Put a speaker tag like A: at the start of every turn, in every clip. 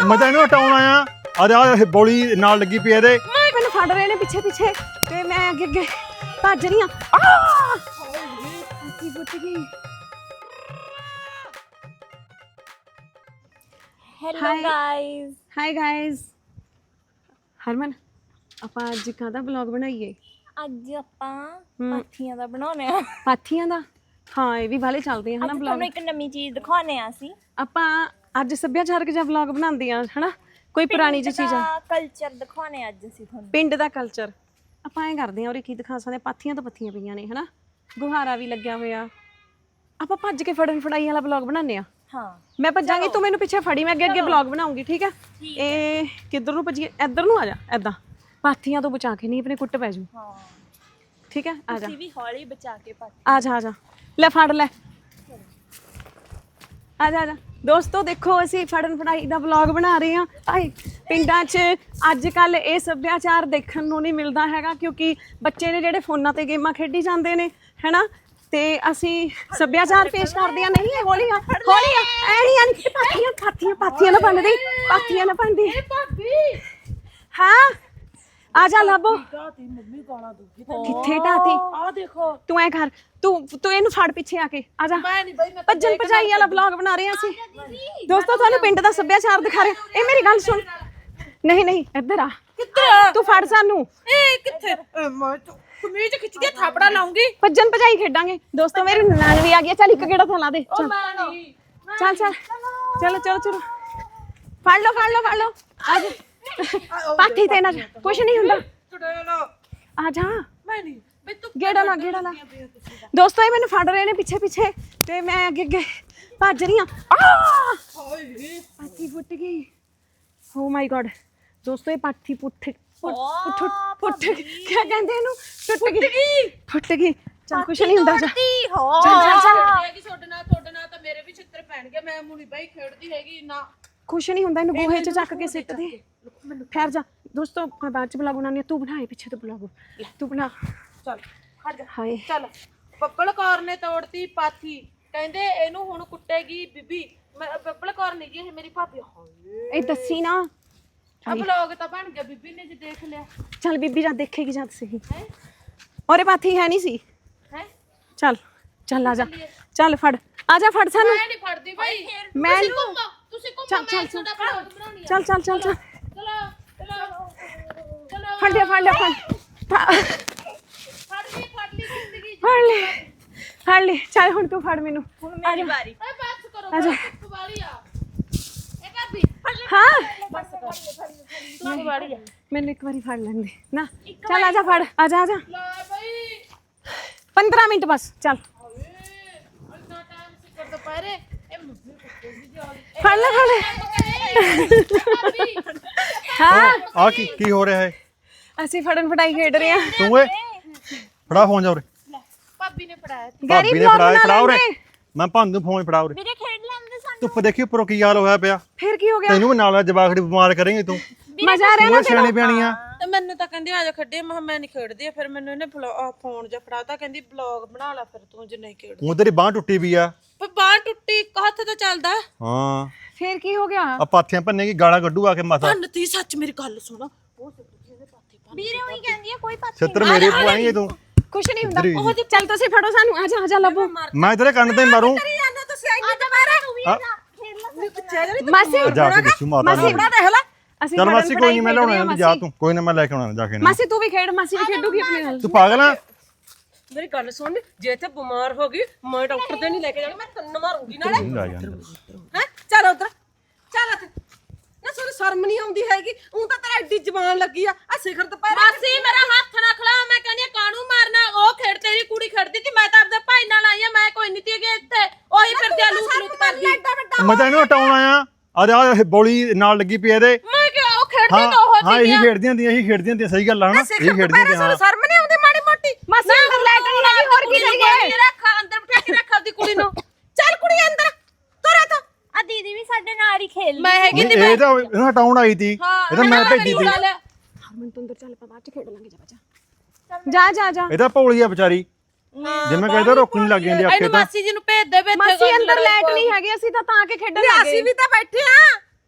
A: मैं तो इन्हू हटाउण आया आ बौली नाल लगी पई इहदे
B: मैनू फड़ रहे ने पिछे पिछे ते मैं अगे अगे भज रही
C: hello guys
B: hi guys Harman ਆਪਾਂ ਅੱਜ ਕਾਹਦਾ ਵਲੌਗ ਬਣਾਈਏ
C: ਅੱਜ ਆਪਾਂ ਪਾਥੀਆਂ ਦਾ ਬਣਾਉਣੇ ਆ
B: ਪਾਥੀਆਂ ਦਾ ਹਾਂ ਇਹ ਵੀ ਵਾਲੇ ਚੱਲਦੇ ਆ ਹਨਾ ਵਲੌਗ
C: ਤੁਹਾਨੂੰ ਇੱਕ ਨਵੀਂ ਚੀਜ਼ ਦਿਖਾਉਣੇ ਆ ਅਸੀਂ
B: ਆਪਾਂ ਅੱਜ ਸੱਭਿਆਚਾਰਕ ਜਿਹਾ ਵਲੌਗ ਬਣਾਉਂਦੇ ਆ ਹਨਾ ਕੋਈ ਪੁਰਾਣੀ ਜਿਹੀ ਚੀਜ਼ ਆ
C: ਕਲਚਰ ਦਿਖਾਉਣੇ ਆ ਅੱਜ ਅਸੀਂ ਤੁਹਾਨੂੰ
B: ਪਿੰਡ ਦਾ ਕਲਚਰ ਆਪਾਂ ਐਂ ਕਰਦੇ ਆ ਔਰ ਕੀ ਦਿਖਾ ਸਕਦੇ ਪਾਥੀਆਂ ਤੋਂ ਪੱਥੀਆਂ ਪਈਆਂ ਨੇ ਹਨਾ ਗੁਹਾਰਾ ਵੀ ਲੱਗਿਆ ਹੋਇਆ ਆਪਾਂ ਭੱਜ ਕੇ ਫੜਨ ਫੜਾਈ ਵਾਲਾ ਵਲੌਗ ਬਣਾਉਂਦੇ ਆ
C: ਹਾਂ
B: ਮੈਂ ਭੱਜਾਂਗੀ ਤੂੰ ਮੈਨੂੰ ਪਿੱਛੇ ਫੜੀ ਮੈਂ ਅੱਗੇ ਅੱਗੇ ਵਲੌਗ ਬਣਾਉਂਗੀ ਠੀਕ ਹੈ ਇਹ ਕਿੱਧਰ ਨੂੰ ਭੱਜੀਏ ਇੱਧਰ ਨੂੰ ਆ ਜਾ ਐਦਾਂ ਪਾਥੀਆਂ ਤੋਂ ਬਚਾ ਕੇ ਨਹੀਂ ਆਪਣੇ ਕੁੱਟ ਪੈ ਜੂ
C: ਹਾਂ
B: ਠੀਕ ਹੈ ਆ ਜਾ
C: ਤੁਸੀਂ ਵੀ ਹੌਲੀ ਬਚਾ ਕੇ ਪਾਥੀ
B: ਆ ਜਾ ਲੈ ਫੜ ਲੈ ਆ ਜਾ ਦੋਸਤੋ ਦੇਖੋ ਅਸੀਂ ਫੜਨ ਫੜਾਈ ਦਾ ਵਲੌਗ ਬਣਾ ਰਹੇ ਹਾਂ ਆਏ ਪਿੰਡਾਂ 'ਚ ਅੱਜ ਕੱਲ ਇਹ ਸੱਭਿਆਚਾਰ ਦੇਖਣ ਨੂੰ ਨਹੀਂ ਮਿਲਦਾ ਹੈਗਾ ਕਿਉਂਕਿ ਬੱਚੇ ਨੇ ਜਿਹੜੇ ਫੋਨਾਂ ਤੇ ਗੇਮਾਂ ਖੇਡੀ ਜਾਂਦੇ ਨੇ ਹੈਨਾ ਤੇ ਅਸੀਂ ਸੱਭਿਆਚਾਰ ਪੇਸ਼ ਕਰਦੇ ਆ ਨਹੀਂ ਹੌਲੀ ਆ ਐਣੀ ਪਾਥੀਆਂ ਨਾ ਬਣਦੀ ਪਾਥੀਆਂ ਨਾ ਬਣਦੀ ਹਾਂ ਆ ਜਾ ਲੱਭੋ
D: ਮੰਮੀ ਗਾਲਾਂ ਦੂਗੀ
B: ਕਿੱਥੇ ਢਾਤੀ
D: ਆ ਦੇਖੋ
B: ਤੂੰ ਐ ਕਰ ਤੂੰ ਇਹਨੂੰ ਫੜ ਪਿੱਛੇ ਆ ਕੇ ਆ ਜਾ
D: ਮੈਂ ਨਹੀਂ ਬਈ ਮੈਂ
B: ਭੱਜਣ ਭਜਾਈ ਵਾਲਾ ਵਲੌਗ ਬਣਾ ਰਹੇ ਹਾਂ ਅਸੀਂ ਦੋਸਤੋ ਤੁਹਾਨੂੰ ਪਿੰਡ ਦਾ ਸੱਭਿਆਚਾਰ ਦਿਖਾ ਰਹੇ ਇਹ ਮੇਰੀ ਗੱਲ ਸੁਣ ਨਹੀਂ ਇੱਧਰ ਆ
D: ਕਿੱਧਰ
B: ਤੂੰ ਫੜ ਸਾਨੂੰ
D: ਇਹ ਕਿੱਥੇ ਮੈਂ ਕਮੀਜ਼ ਖਿੱਚ ਕੇ ਥਾਪੜਾ ਲਾਉਂਗੀ
B: ਭੱਜਣ ਭਜਾਈ ਖੇਡਾਂਗੇ ਦੋਸਤੋ ਮੇਰੀ ਨਨਾਣ ਵੀ ਆ ਗਈ ਚੱਲ ਇੱਕ ਗੇੜਾ ਤਾਂ ਲਾ ਦੇ ਚੱਲ
D: ਮੈਂ ਨਹੀਂ
B: ਚਲੋ ਫੜ ਲਓ ਆ ਜਾ ਪਾਥੀ ਤੇ ਨਾ ਕੁਛ ਨਹੀਂ ਹੁੰਦਾ
D: ਚੜੇਲਾ
B: ਆ ਜਾ
D: ਮੈਂ ਨਹੀਂ ਬਈ ਤੂੰ
B: ਗੇੜਾ ਲਾ ਦੋਸਤੋ ਇਹ ਮੈਨੂੰ ਫੜ ਰਹੇ ਨੇ ਪਿੱਛੇ ਤੇ ਮੈਂ ਅੱਗੇ ਭੱਜ ਰਹੀ ਆ
D: ਹਾਏ
B: ਪਾਥੀ ਫੁੱਟ ਗਈ ਓ ਮਾਈ ਗॉड ਦੋਸਤੋ ਇਹ ਪਾਥੀ ਪੁੱਠ ਕੀ ਕਹਿੰਦੇ ਇਹਨੂੰ ਟੁੱਟ ਗਈ ਚੱਲ ਕੁਛ ਨਹੀਂ ਹੁੰਦਾ ਜਾ ਚੱਲ
D: ਹੈਗੀ ਤੁਹਾਡੇ ਨਾਲ ਤਾਂ ਮੇਰੇ ਵੀ ਛਿੱਤਰ ਪੈਣਗੇ ਮੈਂ ਮੁੰਨੀ ਬਾਈ ਖੇਡਦੀ ਹੈਗੀ ਨਾ
B: ਕੁਛ ਨਹੀਂ ਹੁੰਦਾ ਇਹਨੂੰ ਗੋਹੇ 'ਚ ਚੱਕ ਕੇ ਸਿੱਟ ਦੇ ਠਹਿਰ ਜਾ ਦੋਸਤੋ ਮੈਂ ਬਾਅਦ 'ਚ ਬਲੌਗ ਬਣਾਉਣੀ ਆ ਤੂੰ ਬਣਾਏ ਪਿੱਛੇ ਤੋਂ ਬਲੌਗ ਤੂੰ ਬਣਾ
D: ਚੱਲ ਖੜ ਜਾ
B: ਹਾਏ
D: ਚੱਲ ਬੱਬਲ ਕੌਰ ਨੇ ਤੋੜਤੀ ਪਾਥੀ ਕਹਿੰਦੇ ਇਹਨੂੰ ਹੁਣ ਕੁੱਟੇਗੀ ਬੀਬੀ ਬੱਬਲ ਕੌਰ ਨਹੀਂ ਜੀ ਇਹ ਮੇਰੀ ਭਾਬੀ ਹਾਏ
B: ਇਹ ਦੱਸੀ ਨਾ
D: ਅਬ ਲੋਗ ਤਾਂ ਬਣ ਗਿਆ ਬੀਬੀ ਨੇ ਜੇ ਦੇਖ ਲਿਆ
B: ਚੱਲ ਬੀਬੀ ਜਦ ਦੇਖੇਗੀ ਜਦ ਸਹੀ ਔਰੇ ਪਾਥੀ ਹੈ ਨਹੀਂ ਸੀ
D: ਹੈ
B: ਚੱਲ ਆ ਜਾ ਚੱਲ ਫੜ ਆ ਜਾ ਫੜ ਸਾਨੂੰ
D: ਮੈਂ ਨਹੀਂ ਫੜਦੀ ਭਾਈ
B: ਮੈਂ
D: ਤੁਸੀਂ ਘੁੰਮੋ
B: ਚੱਲ
D: ਮੈਂ ਤੁਹਾਡਾ ਵਲੌਗ ਬਣਾਉਣੀ ਆ
B: ਚੱਲ
D: ਚਲੋ
B: ਫੜ ਲਿਆ
D: ਫੜ ਲਈ ਜ਼ਿੰਦਗੀ
B: ਫੜ ਲਈ ਚੱਲ ਹੁਣ ਤੂੰ ਫੜ ਮੈਨੂੰ
C: ਹੁਣ ਮੇਰੀ ਵਾਰੀ
D: ਓਏ ਬਸ ਕਰੋ
B: ਆ ਜਾ।
D: ਧੁੱਪ ਵਾਲੀ ਆ ਇਹ ਭਾਬੀ
B: ਹਾਂ
D: ਬਸ ਕਰ ਧੁੱਪ ਵਾਲੀ ਆ
B: ਮੈਨੂੰ ਇੱਕ ਵਾਰੀ ਫੜ ਲੈਂਦੇ ਨਾ ਚੱਲ ਆ ਜਾ ਫੜ ਆ ਜਾ
D: ਲੈ ਬਈ
B: 15 ਮਿੰਟ ਬਸ ਚੱਲ
D: ਇੰਨਾ ਟਾਈਮ ਸਿੱਕਰ ਦੁਪਹਿਰੇ ਇਹ ਮੁੱਢੀ ਕੁੱਟੇਗੀ ਜੀ
B: ਫੜ ਲੈ ਹਾਂ
A: ਆ ਕੀ ਹੋ ਰਿਹਾ ਹੈ
B: ਅਸੀਂ ਫੜਨ ਫੜਾਈ ਖੇਡ ਰਹੇ ਹਾਂ
A: ਤੂੰ ਏ ਫੜਾ ਫੋਨ ਜਾ ਉਰੇ
D: ਭਾਬੀ ਨੇ ਫੜਾਇਆ
B: ਗੈਰੀ
A: ਭਾਬੀ ਨੇ
B: vlog
A: ਫੜਾ
B: ਬਣਾ
A: ਉਰੇ
B: ਲੈਂਦੇ।
A: ਮੈਂ ਭੰਨ ਫੋਨ ਫੜਾ ਉਰੇ
C: ਵੀਰੇ ਖੇਡ ਲੈਂਦੇ ਸਾਨੂੰ
A: ਧੁੱਪ ਦੇਖੀ ਉੱਪਰੋਂ ਕੀ ਹਾਲ ਹੋਇਆ ਪਿਆ
B: ਫਿਰ ਕੀ ਹੋ ਗਿਆ
A: ਤੈਨੂੰ ਵੀ ਨਾਲ ਜਵਾਖੜੀ ਬਿਮਾਰ ਕਰੇਂਗੀ ਤੂੰ
B: ਮਜ਼ਾ ਆ ਰਿਹਾ
A: ਤੂੰ
B: ਨਾ
A: ਸਿਆਣੀ ਪਿਆਣੀ ਆ
D: ਤੇ ਮੈਨੂੰ ਤਾਂ ਕਹਿੰਦੀ ਆ ਜਾ ਖੱਡੇ ਮੈਂ ਨਹੀਂ ਖੇਡਦੀ ਫਿਰ ਮੈਨੂੰ ਇਹਨੇ ਫੋਨ ਜਾਂ ਫੜਾਤਾ ਕਹਿੰਦੀ ਬਲੌਗ ਬਣਾ ਲੈ ਫਿਰ ਤੂੰ ਜੇ ਨਹੀਂ ਖੇਡ
A: ਹੁਣ ਤੇਰੀ ਬਾਂਹ ਟੁੱਟੀ ਵੀ ਆ
D: ਪਰ ਬਾਂਹ ਟੁੱਟੀ ਇੱਕ ਹੱਥ ਤਾਂ ਚੱਲਦਾ
A: ਹਾਂ
B: ਫਿਰ ਕੀ ਹੋ ਗਿਆ
A: ਆ ਪਾਥੀਆਂ ਭੰਨੇਗੀ ਗਾਲਾਂ ਕੱਢੂ ਆ ਕੇ ਮਾਤਾ
D: ਭੰਨਤੀ ਸੱਚ ਮੇਰੀ ਗੱਲ ਸੁਣ ਉਹ
C: ਵੀਰੇ ਉਹੀ ਕਹਿੰਦੀ ਆ ਕੋਈ ਪਾਥੀ
A: ਛਿੱਤਰ ਮੇਰੇ ਪਵਾਏਂਗੇ ਤੂੰ
B: ਕੁਛ ਨਹੀਂ ਹੁੰਦਾ ਚੱਲ ਤੁਸੀਂ ਫੜੋ ਸਾਨੂੰ ਆ ਜਾ ਲੱਭੋ
A: ਮੈਂ ਤੇਰੇ ਕੰਨ ਤੇ ਮਾਰੂੰ
D: ਤੁਸੀਂ ਆਈ ਦੁਬਾਰਾ ਤੂੰ
A: ਆ,
B: ਮਾਸੀ
A: ਜਾ ਕੇ ਦੱਸੂ ਮਾਤਾ ਨੂੰ
B: ਦੇਖ ਲੈ ਅਸੀਂ
A: ਚੱਲ
B: ਫੜਨ
A: ਮਾਸੀ ਕੋਈ ਨਹੀਂ ਮੈਂ
B: ਫੜਾਈ
A: ਲਾਉਣਾ ਜਾ ਤੂੰ ਕੋਈ ਨਾ ਮੈਂ ਲੈ ਕੇ ਆਉਣਾ ਜਾ ਕੇ ਨਾ
B: ਮਾਸੀ ਤੂੰ ਵੀ ਖੇਡ ਮਾਸੀ ਵੀ ਖੇਡੂਗੀ ਆਪਣੇ ਨਾਲ
A: ਤੂੰ ਪਾਗਲ ਆ
D: ਮੇਰੀ ਗੱਲ ਸੁਣ ਜੇ ਇੱਥੇ ਬਿਮਾਰ ਹੋ ਗਈ ਮੈਂ ਡਾਕਟਰ ਦੇ ਨਹੀਂ ਲੈ ਕੇ ਜਾਣਾ ਮੈਂ ਕੰਨ ਮਾਰੂੰਗੀ ਨਾਲੇ
A: ਨਹੀਂ ਲੈ ਜਾਂਦਾ
D: ਹੈ ਚੱਲ ਉਧਰ ਚੱਲ ਇੱਥੇ ਨਾ ਸਾਨੂੰ ਸ਼ਰਮ ਨਹੀਂ ਆਉਂਦੀ ਹੈਗੀ ਉਹ ਤਾਂ ਤੇਰਾ ਐਡੀ ਜ਼ਬਾਨ ਲੱਗੀ ਆ ਸਿਖਰ ਦੁਪਹਿਰੇ ਮਾਸੀ ਮੇਰਾ ਹੱਥ ਨਾ ਖਲਾ ਮੈਂ ਕਹਿੰਦੀ ਕਾਣੂ ਮਾਰਨਾ ਉਹ ਖੇਡ ਤੇਰੀ ਕੁੜੀ ਖੇਡਦੀ ਸੀ ਮੈਂ ਤਾਂ ਆਪਦੇ ਭਾਈ ਨਾਲ ਆਈ ਆ ਮੈਂ ਕੋਈ ਨਹੀਂ ਤੀ ਗਈ ਇੱਥੇ ਉਹੀ ਫਿਰਦੀ ਆ ਲੂਤ ਕਰਦੀ
A: ਮੈਂ ਤਾਂ ਇਹਨੂੰ ਹਟਾਉਣ ਆਇਆ ਆ ਬੌਲੀ ਨਾਲ ਲੱਗੀ ਪਈ ਇਹਦੇ
D: ਮੈਂ ਕਿ ਉਹ ਖੇਡਦੀ
A: ਹਾਂ
D: ਤਾਂ ਉਹ
A: ਹਾਂ ਇਹੀ ਖੇਡਦੀਆਂ ਹੁੰਦੀਆਂ ਸਹੀ ਗੱਲ ਆ ਹਨਾ ਇਹੀ ਖੇਡਦੀਆਂ ਹੁੰਦੀਆਂ ਹਾਂ
D: ਸ਼ਰਮ ਨਹੀਂ ਆਉਂਦੀ ਮਾੜੀ ਮੋਟੀ
B: ਮਾਸੀ ਅੰਦਰ ਲੈ ਕੇ ਨਹੀਂ ਆਈ ਹੋਰ ਕੀ ਕਰੀਏ
D: ਰੱਖ ਅੰਦਰ ਬਿਠਾ ਕੇ ਰੱਖ ਆਪਦੀ ਕੁੜੀ ਨੂੰ ਚੱਲ ਕੁੜੀ ਅੰਦਰ ਤੁਰ ਤਾ
C: ਆ ਦੀਦੀ ਵੀ ਸਾਡੇ ਨਾਲ ਹੀ ਖੇਲ
D: ਮੈਂ ਹੈਗੀ
A: ਨਹੀਂ, ਇਹ ਤਾਂ ਇਹਨੂੰ ਹਟਾਉਣ ਆਈ ਤੀ ਇਹ ਤਾਂ ਮੈਂ ਭੇਜੀ ਤੀ
B: ਹਰਮਨ ਤੂੰ ਅੰਦਰ ਚੱਲ ਆਪਾਂ ਬਾਅਦ ਚ ਖੇਡ ਲਾਂਗੇ ਜਾ
A: ਇਹ ਤਾਂ ਭੋਲੀ ਆ ਵਿਚਾਰੀ ਜਿਵੇਂ ਕਹਿੰਦਾ ਰੋਕ ਨਹੀਂ ਲੱਗ ਜਾਂਦੀ ਆਖੇ ਤਾਂ
D: ਮਾਸੀ ਜੀ ਨੂੰ ਭੇਜ ਦੇ ਵੇ
B: ਮਾਸੀ ਅੰਦਰ ਲਾਈਟ ਨਹੀਂ ਹੈਗੀ ਅਸੀਂ ਤਾਂ ਕੇ ਖੇਡਣ ਲੱਗੇ
D: ਅਸੀਂ ਵੀ ਤਾਂ ਬੈਠੇ ਆ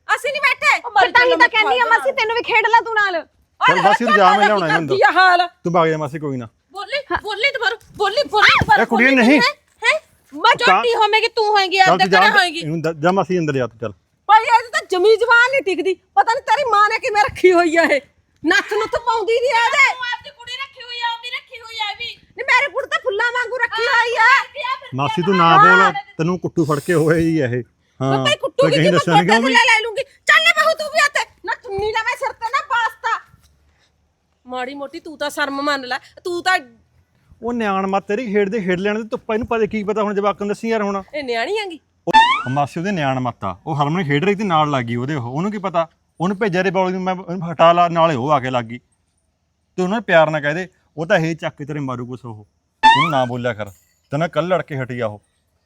D: ਅਸੀਂ ਨਹੀਂ ਬੈਠੇ
B: ਤੇ ਤਾਂ ਹੀ ਤਾਂ ਕਹਿੰਦੀ ਆ ਮਾਸੀ ਤੈਨੂੰ ਵੀ ਖੇਡ ਲੈ ਤੂੰ ਨਾਲ।
A: ਚੱਲ ਮਾਸੀ ਤੂੰ ਜਾ, ਮੈਂ ਲਿਆਉਣਾ ਇਹਨੂੰ
D: ਕੀ ਹਾਲ
A: ਤੂੰ ਭਾਗ ਜਾ ਮਾਸੀ, ਕੋਈ ਨਾ।
D: ਬੋਲੀ ਦੁਬਾਰਾ
A: ਇਹ ਕੁੜੀ ਨਹੀਂ
D: ਮੈਂ ਝੋਟੀ ਹੋਵੇਗੀ ਤੂੰ ਹੋਏਗੀ
A: ਚੱਲ
D: ਆਪਦੇ
A: ਤੂੰ ਜਾ
D: ਘਰੇ ਹੋਏਗੀ।
A: ਇਹਨੂੰ ਜਾ ਮਾਸੀ ਅੰਦਰ ਜਾ ਤੂੰ, ਚੱਲ।
D: ਭਾਈ ਇਹ ਤਾਂ ਜਮੀ ਜਵਾਨ ਨਹੀਂ ਟਿਕਦੀ, ਪਤਾ ਨਹੀਂ ਤੇਰੀ ਮਾਂ ਨੇ ਕਿਵੇਂ ਰੱਖੀ ਹੋਈ ਆ ਇਹ, ਨੱਥ ਨੁੱਥ ਪਾਉਂਦੀ ਨਹੀਂ ਆਦੇ।
C: ਤੂੰ ਆਪਦੀ ਕੁੜੀ ਰੱਖੀ ਹੋਈ ਆ, ਉਹ ਵੀ ਰੱਖੀ ਹੋਈ ਆ ਵੀ।
D: ਨਹੀਂ ਮੇਰੇ ਕੁੜੀ ਤਾਂ ਫੁੱਲਾਂ ਵਾਂਗੂ ਰੱਖੀ ਹੋਈ ਆ।
A: ਮਾਸੀ ਤੂੰ ਨਾ ਬੋਲ, ਤੈਨੂੰ ਕੁੱਟੂ ਫੜ ਕੇ ਹੋਏ ਹੀ ਇਹ। ਹਾਂ
D: ਭਾਈ ਕੁੱਟੂ
A: ਕਹੀਂ
D: ਕੀ
A: ਦੱਸਣ ਕਿਉਂ ਵੀ
D: ਲੈ ਲੂੰਗੀ। ਚੱਲ ਬਹੂ ਤੂੰ ਵੀ ਆਤੇ ਨਾ, ਚੁੰਨੀ ਨਾ ਮੈਂ ਸਿਰ ਤੇ ਨਾ ਬਾਸਤਾ। ਮਾੜੀ ਮੋਟੀ ਤੂੰ ਤਾਂ ਸ਼ਰਮ ਮੰਨ ਲੈ, ਤੂੰ ਤਾਂ
A: ਉਹ ਨਿਆਣ ਮਾ ਤੇਰੀ ਖੇਡਦੇ ਖੇਡ ਲੈਣ ਦੇ ਧੁੱਪਾ, ਇਹਨੂੰ ਪਤਾ ਕੀ ਪਤਾ ਹੁਣ ਜਵਾਕਾਂ ਨੂੰ ਦੱਸੀ ਯਾਰ ਹੁਣ।
D: ਇਹ ਨਿਆਣੀ ਆਂਗੀ।
A: ਉਹ ਮਾਸੀ ਉਹਦੇ ਨਿਆਣ ਮੱਤਾ, ਉਹ ਹਰਮਨ ਖੇਡ ਰਹੀ ਤੇ ਨਾਲ ਲੱਗ ਗਈ ਉਹਦੇ, ਉਹਨੂੰ ਕੀ ਪਤਾ, ਉਹਨੂੰ ਭੇਜਿਆ ਰੇ ਬੌਲ ਨੂੰ, ਮੈਂ ਉਹਨੂੰ ਹਟਾ ਲਾ, ਨਾਲੇ ਉਹ ਆ ਕੇ ਲੱਗ ਗਈ। ਤੇ ਉਹਨਾਂ ਨੇ ਪਿਆਰ ਨਾਲ ਕਹਦੇ, ਉਹ ਤਾਂ ਇਹ ਚੱਕ ਕੇ ਤੇਰੇ ਮਾਰੂ ਕੁਛ, ਉਹਨੂੰ ਨਾ ਬੋਲਿਆ ਕਰ, ਤੇ ਨਾ ਕੱਲ ਲੜ ਕੇ ਹਟੀ ਆ ਉਹ।